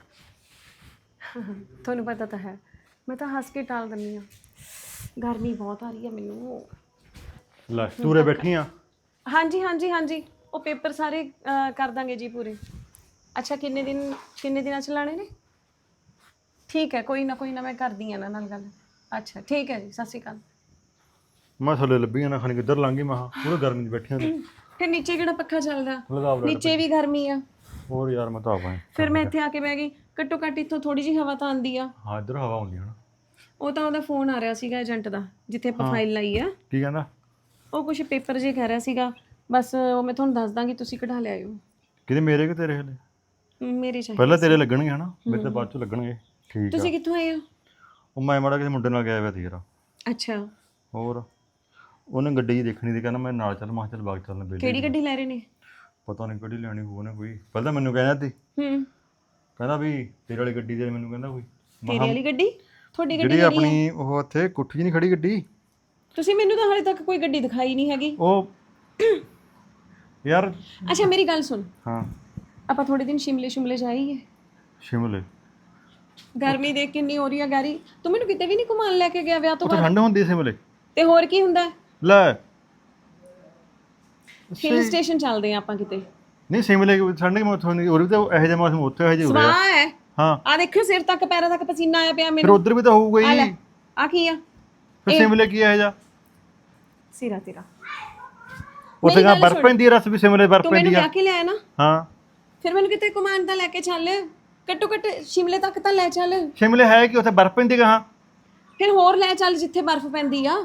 B: ਤੁਹਾਨੂੰ ਪਤਾ ਤਾਂ ਹੈ, ਮੈਂ ਤਾਂ ਹੱਸ ਕੇ ਟਾਲ ਦਿੰਦੀ ਹਾਂ। ਗਰਮੀ ਬਹੁਤ ਆ ਰਹੀ ਹੈ ਮੈਨੂੰ।
A: ਲੈ ਤੂਰੇ ਬੈਠੀ ਆ?
B: ਹਾਂਜੀ ਉਹ ਪੇਪਰ ਸਾਰੇ ਕਰ ਦਾਂਗੇ ਜੀ ਪੂਰੇ। ਅੱਛਾ ਕਿੰਨੇ ਦਿਨਾਂ 'ਚ ਲਾਣੇ ਨੇ? ਠੀਕ ਹੈ, ਕੋਈ ਨਾ ਮੈਂ ਕਰਦੀ ਹਾਂ ਇਹਨਾਂ ਨਾਲ ਗੱਲ। ਅੱਛਾ ਠੀਕ ਹੈ ਜੀ, ਸਤਿ ਸ਼੍ਰੀ ਅਕਾਲ।
A: ਮੈਂ ਥੱਲੇ ਲੱਭੀ ਨਾ, ਖਾਣੀ ਕਿੱਧਰ ਲੰਘੀ, ਮੈਂ ਪੂਰੇ ਗਰਮੀ 'ਚ ਬੈਠੀਆਂ ਨੇ।
B: ਫਿਰ ਨੀਚੇ ਕਿਹੜਾ ਪੱਖਾ ਚੱਲਦਾ,
A: ਲਗਾ
B: ਨੀਚੇ ਵੀ ਗਰਮੀ ਆ।
A: ਹੋਰ ਯਾਰ ਮੈਂ ਤਾਂ ਆਵਾਂ,
B: ਫਿਰ ਮੈਂ ਇੱਥੇ ਆ ਕੇ ਬਹਿ ਗਈ, ਘੱਟੋ ਘੱਟ ਇੱਥੋਂ ਥੋੜੀ ਜਿਹੀ ਹਵਾ ਤਾਂ ਆਉਂਦੀ ਆ।
A: ਹਾਂ ਇੱਧਰ ਹਵਾ ਆਉਂਦੀ ਹੈ।
B: ਉਹ ਤਾਂ ਉਹਦਾ ਫੋਨ ਆ ਰਿਹਾ ਸੀਗਾ ਏਜੰਟ ਦਾ, ਜਿੱਥੇ ਆਪਾਂ ਫਾਈਲ ਲਾਈ ਆ।
A: ਕੀ ਕਹਿੰਦਾ?
B: ਉਹ ਕੁਝ ਪੇਪਰ ਜੇ ਕਹਿ ਰਿਹਾ ਸੀਗਾ, ਬਸ ਉਹ ਮੈਂ ਤੁਹਾਨੂੰ ਦੱਸ ਦਾਂਗੀ, ਤੁਸੀਂ ਕਢਾ ਲਿਆਇਓ।
A: ਕਿਤੇ ਮੇਰੇ ਕਿ ਤੇਰੇ ਹਲੇ?
B: ਮੇਰੇ ਚਾਹੀਦੇ
A: ਪਹਿਲਾਂ ਤੇਰੇ ਲੱਗਣਗੇ ਹਨਾ, ਮੇਰੇ ਤਾਂ ਬਾਅਦ ਚ ਲੱਗਣਗੇ। ਠੀਕ ਆ।
B: ਤੁਸੀਂ ਕਿੱਥੋਂ ਆਏ ਹੋ?
A: ਉਹ ਮੈਂ ਮਾੜਾ ਕਿਸੇ ਮੁੰਡੇ ਨਾਲ ਗਿਆ ਹੋਇਆ ਸੀ ਯਾਰ।
B: ਅੱਛਾ,
A: ਹੋਰ ਉਹਨੇ ਗੱਡੀ ਜੀ ਦੇਖਣੀ ਸੀ, ਕਹਿੰਦਾ ਮੈਂ ਨਾਲ ਚੱਲ, ਮੈਂ ਕਿਹਾ ਚੱਲ ਬਾਗ ਚੱਲਣ ਬੇਲੇ।
B: ਕਿਹੜੀ ਗੱਡੀ ਲੈ ਰਹੇ ਨੇ?
A: ਪਤਾ ਨਹੀਂ ਕਿਹੜੀ ਲੈਣੀ ਹੋਊ ਉਹਨੇ ਕੋਈ, ਪਹਿਲਾਂ ਮੈਨੂੰ ਕਹਿੰਦਾ ਸੀ, ਕਹਿੰਦਾ ਵੀ ਤੇਰੇ ਵਾਲੀ ਗੱਡੀ ਦੇ ਮੈਨੂੰ ਕਹਿੰਦਾ ਕੋਈ।
B: ਤੇਰੇ ਵਾਲੀ ਗੱਡੀ? ਤੁਹਾਡੀ ਗੱਡੀ
A: ਜਿਹੜੀ ਆਪਣੀ ਉਹ ਉੱਥੇ ਕੁੱਠੀ ਨਹੀਂ ਖੜੀ ਗੱਡੀ?
B: ਤੁਸੀਂ ਮੈਨੂੰ ਤਾਂ ਹਾਲੇ ਤੱਕ ਕੋਈ ਗੱਡੀ ਦਿਖਾਈ ਨਹੀਂ ਹੈਗੀ।
A: ਉਹ ਯਾਰ
B: ਅੱਛਾ ਮੇਰੀ ਗੱਲ ਸੁਣ,
A: ਹਾਂ
B: ਆਪਾਂ ਥੋੜੇ ਦਿਨ ਸ਼ਿਮਲੇ ਜਾਈਏ।
A: ਸ਼ਿਮਲੇ?
B: ਗਰਮੀ ਦੇਖ ਕਿੰਨੀ ਹੋ ਰਹੀ ਆ ਗੈਰੀ, ਤੂੰ ਮੈਨੂੰ ਕਿਤੇ ਵੀ ਨਹੀਂ ਘੁਮਾਉਣ ਲੈ ਕੇ ਗਿਆ ਵਿਆਹ ਤੋਂ
A: ਉੱਥੇ
B: ਬਾਅਦ।
A: ਠੰਡ ਹੁੰਦੀ ਸ਼ਿਮਲੇ?
B: ਤੇ ਹੋਰ ਕੀ ਹੁੰਦਾ?
A: ਲੈ
B: ਹਿਲ ਸਟੇਸ਼ਨ ਚੱਲਦੇ ਆ ਆਪਾਂ ਕਿਤੇ।
A: ਨਹੀਂ ਸਿਮਲੇ ਠੰਡ ਕਿ ਉੱਥੋਂ ਨਹੀਂ, ਉਰੇ ਤਾਂ ਇਹੋ ਜਿਹਾ ਮੌਸਮ ਉੱਥੇ ਇਹੋ ਜਿਹਾ ਹੋ ਰਿਹਾ।
B: ਸਵਾਹ ਹੈ।
A: ਹਾਂ
B: ਆ ਦੇਖਿਓ ਸਿਰ ਤੱਕ ਪੈਰਾਂ ਤੱਕ ਪਸੀਨਾ ਆਇਆ ਪਿਆ
A: ਫਿਰ
B: ਮੈਨੂੰ।
A: ਉਧਰ ਵੀ ਤਾਂ ਹੋਊਗਾ
B: ਆ ਲੈ
A: ਹੀ।
B: ਆ ਕੀ ਆ?
A: ਫਿਰ ਸਿਮਲੇ ਕੀ ਇਹੋ ਜਿਹਾ?
B: ਸਿਰਾ ਤੇਰਾ
A: ਉੱਥੇ ਕਾ ਬਰਫ਼ ਪੈਂਦੀ ਹੈ, ਰਸ ਵੀ ਸਿਮਲੇ ਬਰਫ਼
B: ਤੂੰ ਮੈਨੂੰ
A: ਪੈਂਦੀ ਆ।
B: ਵਿਆਹ ਕੇ ਲਿਆਇਆ ਨਾ,
A: ਹਾਂ
B: ਫਿਰ ਮੈਨੂੰ ਕਿਤੇ ਘੁਮਾਉਣ ਤਾਂ ਲੈ ਕੇ ਚੱਲ, ਘੱਟੋ ਘੱਟ ਸ਼ਿਮਲੇ ਤੱਕ ਤਾਂ ਲੈ ਚੱਲ।
A: ਸ਼ਿਮਲੇ ਹੈ ਕਿ ਉੱਥੇ ਬਰਫ਼ ਪੈਂਦੀ ਕਹਾਂ?
B: ਫਿਰ ਹੋਰ ਲੈ ਚੱਲ ਜਿੱਥੇ ਬਰਫ਼ ਪੈਂਦੀ ਆ।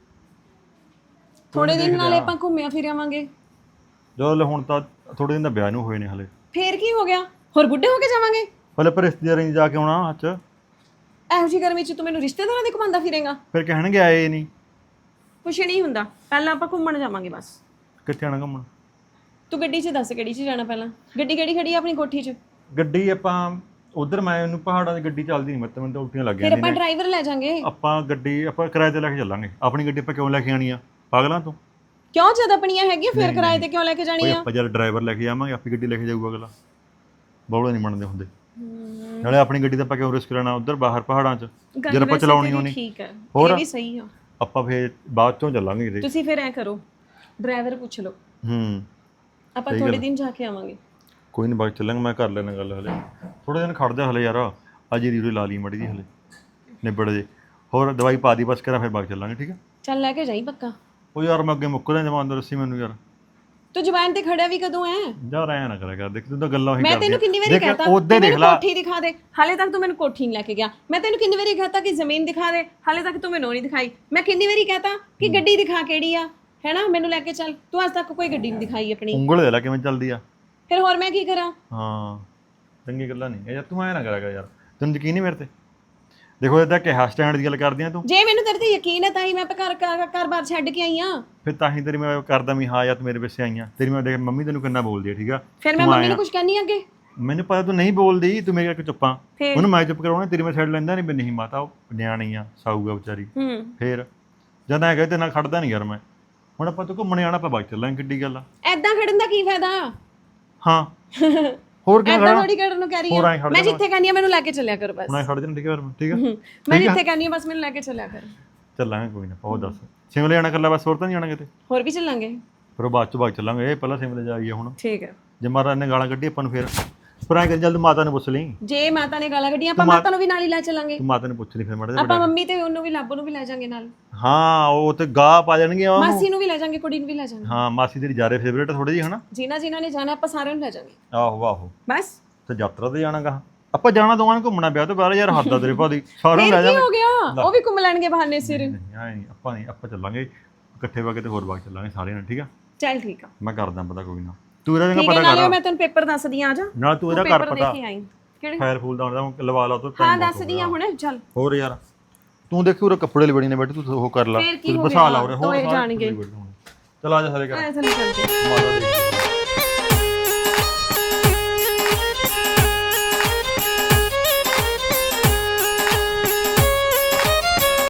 B: ਥੋੜੇ ਦਿਨ ਨਾਲੇ ਆਪਾਂ ਘੁੰਮਿਆ ਫਿਰ ਆਵਾਂਗੇ।
A: ਜਦੋਂ ਹੁਣ ਤਾਂ ਥੋੜੇ ਦਿਨ ਦਾ ਵਿਆਹ ਨੂੰ ਹੋਏ ਨੇ ਹਲੇ।
B: ਫੇਰ ਕੀ ਹੋ ਗਿਆ, ਹੋਰ ਬੁੱਢੇ ਹੋ ਕੇ ਜਾਵਾਂਗੇ?
A: ਪਹਿਲੇ ਪਰ ਰਿਸ਼ਤੇਦਾਰਾਂ ਚ ਜਾ ਕੇ ਆਉਣਾ ਅੱਜ।
B: ਇਹੋ ਜਿਹੀ ਗਰਮੀ ਚ ਤੂੰ ਮੈਨੂੰ ਰਿਸ਼ਤੇਦਾਰਾਂ ਦੇ ਘੁਮਾਉਂਦਾ ਫਿਰੇਗਾ?
A: ਫਿਰ ਕਹਿਣਗੇ ਆਏ ਨਹੀਂ।
B: ਕੁਛ ਨਹੀਂ ਹੁੰਦਾ, ਪਹਿਲਾਂ ਆਪਾਂ ਘੁੰਮਣ ਜਾਵਾਂਗੇ ਬਸ।
A: ਕਿੱਥੇ ਆਣਾ ਘੁੰਮਣ?
B: ਤੂੰ ਗੱਡੀ 'ਚ ਦੱਸ ਕਿਹੜੀ 'ਚ ਜਾਣਾ ਪਹਿਲਾਂ? ਗੱਡੀ ਕਿਹੜੀ ਖੜੀ ਆ ਆਪਣੀ ਕੋਠੀ 'ਚ?
A: ਗੱਡੀ ਆਪਾਂ ਉਧਰ, ਮੈਂ ਉਹਨੂੰ ਪਹਾੜਾਂ ਦੀ ਗੱਡੀ ਚੱਲਦੀ ਨਹੀਂ, ਮੈਨੂੰ ਤਾਂ ਉਲਟੀਆਂ ਲੱਗ
B: ਫਿਰ
A: ਜਾਂਦੀਆਂ
B: ਆਪਾਂ
A: ਨੇ।
B: ਡਰਾਈਵਰ ਲੈ ਜਾਾਂਗੇ।
A: ਆਪਾਂ ਗੱਡੀ ਆਪਾਂ ਕਿਰਾਏ ਤੇ ਲੈ ਕੇ ਚੱਲਾਂਗੇ। ਆਪਣੀ ਗੱਡੀ ਆਪਾਂ ਕਿਉਂ ਲੈ ਕੇ ਆਣੀ ਆ, ਪਾਗਲਾਂ ਤੂੰ?
B: ਕਿਉਂ ਜਦ ਆਪਣੀਆਂ ਹੈਗੀਆਂ ਫਿਰ ਕਿਰਾਏ ਤੇ ਕਿਉਂ ਲੈ ਕੇ ਜਾਣੀ
A: ਕੋਈ
B: ਆ?
A: ਆਪਾਂ ਜਦ ਡਰਾਈਵਰ ਲੈ ਕੇ ਜਾਵਾਂਗੇ, ਆਪਣੀ ਗੱਡੀ ਲੈ ਕੇ ਜਾਊਗਾ ਅਗਲਾ। ਬੌਲੇ ਨਹੀਂ ਮੰਨਦੇ ਹੁੰਦੇ। ਨਾਲੇ ਆਪਣੀ ਗੱਡੀ ਤਾਂ ਆਪਾਂ ਕਿਉਂ ਰਿਸਕ ਲੈਣਾ ਉਧਰ ਬਾਹਰ ਪਹਾੜਾਂ 'ਚ, ਜਦ ਆਪਾਂ ਚਲਾਉਣੀ ਹੋਣੀ।
B: ਠੀਕ ਹੈ,
A: ਹੋਰ?
B: ਇਹ ਵੀ ਸਹੀ ਆ।
A: ਆਪਾਂ ਫੇਰ ਬਾਅਦ ਚੋਂ ਚੱਲਾਂਗੇ ਕਿਤੇ।
B: ਤੁਸੀਂ ਫਿਰ ਐ ਕਰੋ, ਡਰਾਈਵਰ ਪੁੱਛ ਲਓ, ਆਪਾਂ ਥੋੜੇ ਦਿਨ ਜਾ ਕੇ ਆਵਾਂਗੇ।
A: ਕੋਈ ਨਹੀਂ ਬਾਅਦ ਚੱਲਾਂਗੇ, ਮੈਂ ਕਰ ਲੈਣਾ ਗੱਲ ਹਲੇ। ਥੋੜੇ ਦਿਨ ਖੜ ਜਾ ਹਲੇ ਯਾਰ, ਅੱਜ ਹੀ ਰੀਰੇ ਲਾ ਲਈ ਮੜੀ ਦੀ ਹਲੇ ਨਿਬੜ ਜੇ। ਹੋਰ ਦਵਾਈ ਪਾ ਦੀ ਬਸ ਕਰਾਂ, ਫਿਰ ਬਾਅਦ ਚੱਲਾਂਗੇ ਠੀਕ ਹੈ?
B: ਚੱਲ ਲੈ ਕੇ ਜਾਈ ਪੱਕਾ।
A: ਉਹ ਯਾਰ ਮੈਂ ਅੱਗੇ ਮੁੱਕਦਾ ਜਮਾਨ ਦਾ, ਦੱਸੀ ਮੈਨੂੰ ਯਾਰ।
B: ਤੂੰ ਜ਼ੁਬਾਨ ਤੇ ਖੜਿਆ ਵੀ ਕਦੋਂ ਐ?
A: ਯਾਰ ਐ ਨਾ ਕਰਿਆ ਕਰ, ਦੇਖ ਤੂੰ ਤਾਂ ਗੱਲਾਂ ਉਹੀ
B: ਮੈਂ
A: ਕਰਦੀ
B: ਤੈਨੂੰ ਕਿੰਨੀ ਵਾਰੀ ਕਹਤਾ
A: ਉਹਦੇ ਦੇਖ ਲੈ।
B: ਕੋਠੀ ਦਿਖਾ ਦੇ, ਹਾਲੇ ਤੱਕ ਤੂੰ ਮੈਨੂੰ ਕੋਠੀ ਨਹੀਂ ਲੈ ਕੇ ਗਿਆ। ਮੈਂ ਤੈਨੂੰ ਕਿੰਨੀ ਵਾਰੀ ਕਹਤਾ ਕਿ ਜ਼ਮੀਨ ਦਿਖਾ ਦੇ, ਹਾਲੇ ਤੱਕ ਤੂੰ ਮੈਨੂੰ ਨਹੀਂ ਦਿਖਾਈ। ਮੈਂ ਕਿੰਨੀ ਵਾਰੀ ਕਹਤਾ ਕਿ ਗੱਡੀ ਦਿਖਾ ਕਿਹੜੀ ਆ, ਹੈਨਾ, ਮੈਨੂੰ ਲੈ ਕੇ ਚੱਲ। ਤੂੰ ਅੱਜ ਤੱਕ ਕੋਈ ਗੱਡੀ ਨਹੀਂ ਦਿਖਾਈ ਆਪਣੀ।
A: ਉਂਗਲ ਦੇ ਲੈ ਕਿਵੇਂ ਚੱਲਦੀ ਆ।
B: ਫਿਰ ਹੋਰ ਮੈਂ ਕੀ ਕਰਾਂ?
A: ਹਾਂ ਚੰਗੀ ਗੱਲਾਂ ਨਹੀਂ ਯਾਰ, ਤੂੰ ਐ ਨਾ ਕਰਿਆ ਕਰ ਯਾਰ। ਤੈਨੂੰ ਯਕੀਨ ਨਹੀਂ ਮੇਰੇ ਤੇ? ਦੇਖੋ ਇਹਦਾ ਕਿਹਾ ਸਟੈਂਡ ਦੀ ਗੱਲ ਕਰਦੀ ਆ ਤੂੰ।
B: ਜੇ ਮੈਨੂੰ ਤੇਰੇ ਤੇ ਯਕੀਨ ਹੈ ਤਾਂ ਹੀ ਮੈਂ ਘਰ-ਬਾਰ ਛੱਡ ਕੇ ਆਈ ਆ।
A: ਫਿਰ ਤਾਂ ਹੀ ਤੇਰੀ ਮੈਂ ਕਰਦਾ ਵੀ ਹਾਂ ਯਾਰ ਤੂੰ ਮੇਰੇ ਪਿੱਛੇ ਆਈਆਂ। ਤੇਰੀ ਮੈਂ ਦੇਖ ਮੰਮੀ ਤੈਨੂੰ ਕਿੰਨਾ ਬੋਲਦੀ ਆ, ਠੀਕ ਆ?
B: ਫਿਰ ਮੈਂ ਮੰਮੀ ਨੂੰ ਕੁਝ ਕਹਿਣੀ ਅੱਗੇ?
A: ਮੈਨੂੰ ਪਤਾ ਤੂੰ ਨਹੀਂ ਬੋਲਦੀ, ਤੂੰ ਮੇਰੇ ਕਰਕੇ ਚੁੱਪਾਂ।
B: ਫਿਰ?
A: ਉਹਨੂੰ ਮੈਂ ਚੁੱਪ ਕਰਾਉਣਾ, ਤੇਰੀ ਮੈਂ ਸਾਈਡ ਲੈਂਦਾ ਨਹੀਂ। ਵੀ ਨਹੀਂ ਮਾਤਾ ਉਹ ਨਿਆਣੀ ਆ, ਸਾਊਗਾ ਵਿਚਾਰੀ। ਫਿਰ ਜਦ ਐ ਕਹੇ ਤੇ ਨਾਲ ਖੜਦਾ ਨਹੀਂ ਯਾਰ ਮੈਂ। ਹੁਣ ਆਪਾਂ ਤੂੰ ਘੁੰਮਣ ਜਾਣਾ, ਆਪਾਂ ਬਾਈਕ ਚੱਲਾਂਗੇ, ਕਿੱਡੀ ਗੱਲ ਆ।
B: ਐਦਾਂ ਖੜਨ ਦਾ ਕੀ ਫਾਇਦਾ?
A: ਹਾਂ ਹੋਰ ਕੀ
B: ਐਦਾਂ
A: ਖੜਾ?
B: ਥੋੜੀ ਕਰਨ ਨੂੰ ਕਹਿ ਰਹੀ
A: ਹੋਰ
B: ਆ
A: ਐਂ ਖੜ
B: ਮੈਂ।
A: ਜਾਣਾ।
B: ਜਿੱਥੇ ਕਹਿੰਦੀ ਆ ਮੈਨੂੰ ਲੈ ਕੇ ਚੱਲਿਆ ਕਰ ਬਸ।
A: ਹੁਣ ਐ ਖੜ ਜਾਣਾ, ਠੀਕ ਹੈ? ਠੀਕ ਆ
B: ਮੈਂ ਜਿੱਥੇ ਕਹਿੰਦੀ ਆ ਬਸ ਮੈਨੂੰ ਲੈ ਕੇ ਚੱਲਿਆ ਕਰ।
A: ਚੱਲਾਂਗੇ ਕੋਈ ਨਾ। ਉਹ ਦੱਸ ਸ਼ਿਮਲੇ ਜਾਣਾ ਇਕੱਲਾ ਬਸ, ਹੋਰ ਤਾਂ ਨਹੀਂ ਜਾਣਾ ਕਿਤੇ?
B: ਹੋਰ ਵੀ ਚੱਲਾਂਗੇ।
A: ਫਿਰ ਉਹ ਬਾਅਦ ਚ ਬਾਈਕ ਚੱਲਾਂਗੇ, ਇਹ ਪਹਿਲਾਂ ਸ਼ਿਮਲੇ ਜਾਈਏ ਹੁਣ।
B: ਠੀਕ ਹੈ।
A: ਜੇ ਮਹਾਰਾਜ ਨੇ ਗਾਲਾਂ ਕੱਢੀ ਆਪਾਂ ਨੂੰ ਫਿਰ ਐਂ ਕਰ, ਜਲਦ ਮਾਤਾ ਨੂੰ ਪੁੱਛ ਲਈ।
B: ਜੇ ਮਾਤਾ ਨੇ ਗਾਲਾਂ ਕੱਢੀਆਂ ਆਪਾਂ ਮਾਤਾ ਨੂੰ ਵੀ ਨਾਲ ਹੀ ਲੈ ਚੱਲਾਂਗੇ।
A: ਤੂੰ ਮਾਤਾ ਨੂੰ ਪੁੱਛ ਲਈ ਫਿਰ ਮਾੜਾ
B: ਆਪਾਂ ਮੰਮੀ ਤੇ ਉਹਨੂੰ ਵੀ ਲੱਭ ਨੂੰ ਵੀ ਲੈ ਜਾਾਂਗੇ ਨਾਲ।
A: ਹਾਂ ਉਹ ਤੇ ਗਾਹ ਪਾ ਜਾਣਗੇ ਉਹ।
B: ਮਾਸੀ ਨੂੰ ਵੀ ਲੈ ਜਾਾਂਗੇ, ਕੁੜੀ ਨੂੰ ਵੀ ਲੈ ਜਾਾਂਗੇ।
A: ਹਾਂ ਮਾਸੀ ਤੇਰੀ ਜਾਰੇ ਫੇਵਰੇਟ ਥੋੜੀ ਜਿਹੀ ਹਨਾ।
B: ਜਿਨ੍ਹਾਂ ਨੇ ਜਾਣਾ ਆਪਾਂ ਸਾਰਿਆਂ ਨੂੰ ਲੈ ਜਾਾਂਗੇ।
A: ਆਹੋ ਆਹੋ
B: ਬਸ
A: ਤੇ ਯਾਤਰਾ ਤੇ ਜਾਣਾਗਾ ਆਪਾਂ। ਜਾਣਾ ਦੋਵਾਂ ਨੇ ਘੁੰਮਣਾ ਵਿਆਹ ਤੋਂ ਬਾਅਦ ਯਾਰ, ਹੱਦ ਆ ਤੇਰੇ ਭਾਦੀ। ਸਾਰਿਆਂ ਨੂੰ ਲੈ
B: ਕੀ
A: ਜਾਵਾਂਗੇ।
B: ਹੋ ਗਿਆ, ਉਹ ਵੀ ਘੁੰਮ ਲੈਣਗੇ ਬਹਾਨੇ ਸਿਰ।
A: ਨਹੀਂ ਆਪਾਂ ਨਹੀਂ, ਆਪਾਂ ਚੱਲਾਂਗੇ ਇਕੱਠੇ ਵਾ ਕੇ ਤੇ ਹੋਰ ਬਾਅਦ ਚੱਲਾਂਗੇ ਸਾਰਿਆਂ ਨੇ, ਠੀਕ ਆ?
B: ਚੱਲ ਠੀਕ ਆ।
A: ਮੈਂ ਕਰਦਾ ਪਤਾ ਕੋਈ ਨਾ, ਤੂੰ ਇਹਦਾ
B: ਠੀਕ ਹੈ,
A: ਪਤਾ
B: ਨਾਲੇ
A: ਕਰ।
B: ਮੈਂ ਤੈਨੂੰ ਪੇਪਰ ਦੱਸਦੀ ਆ, ਜਾ
A: ਨਾਲ ਤੂੰ ਇਹਦਾ
B: ਪੇਪਰ
A: ਕਰ
B: ਦੇਖ
A: ਪਤਾ।
B: ਕੇ ਆਈ ਕਿਹੜੇ
A: ਫਾਇਰ ਫੂਲ ਦਾ ਹੁੰਦਾ ਲਵਾ ਲਾ ਤੂੰ।
B: ਹਾਂ ਦੱਸਦੀ ਆ ਹੁਣ। ਚੱਲ
A: ਹੋਰ ਯਾਰ ਤੂੰ ਦੇਖੀ ਉਰੇ ਕੱਪੜੇ ਲਿਬੜੀ ਨੇ ਬੈਠ, ਤੂੰ ਉਹ ਕਰ ਲਾ,
B: ਫੇਰ ਕੀ ਹੋ
A: ਬਸਾ ਲਾ
B: ਗਿਆ,
A: ਉਰੇ। ਹੋਰ
B: ਦੋਏ
A: ਸਾਰੇ
B: ਜਾਣਗੇ।
A: ਚਲ ਆ ਜਾ ਸਾਰੇ ਕਰ
B: ਚੱਲ
A: ਮਾਤਾ ਦੇ।